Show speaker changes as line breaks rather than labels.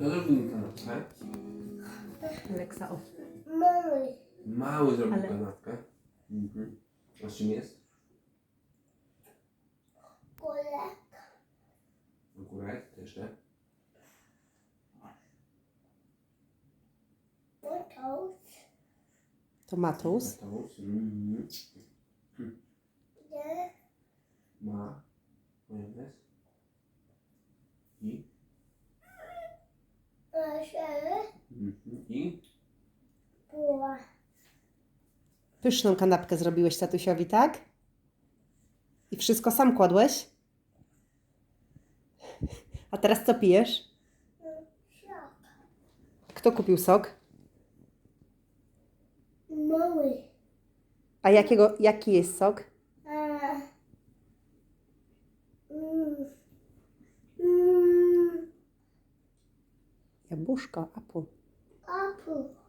To zrobimy kanapkę.
Aleksa, o.
Mały.
Mały zrobił
Ale-
kanapkę. A z czym jest?
Kulek.
Ogórek, to jeszcze.
Toast.
Tomatus.
Toast.
Nie.
Ma majonez. I?
Maszery.
I?
Buła.
Pyszną kanapkę zrobiłeś tatusiowi, tak? I wszystko sam kładłeś? A teraz co pijesz?
Siak.
Kto kupił sok?
Mały.
A jaki jest sok?
A. Mm.
Jabłuszko, apple.
Apple.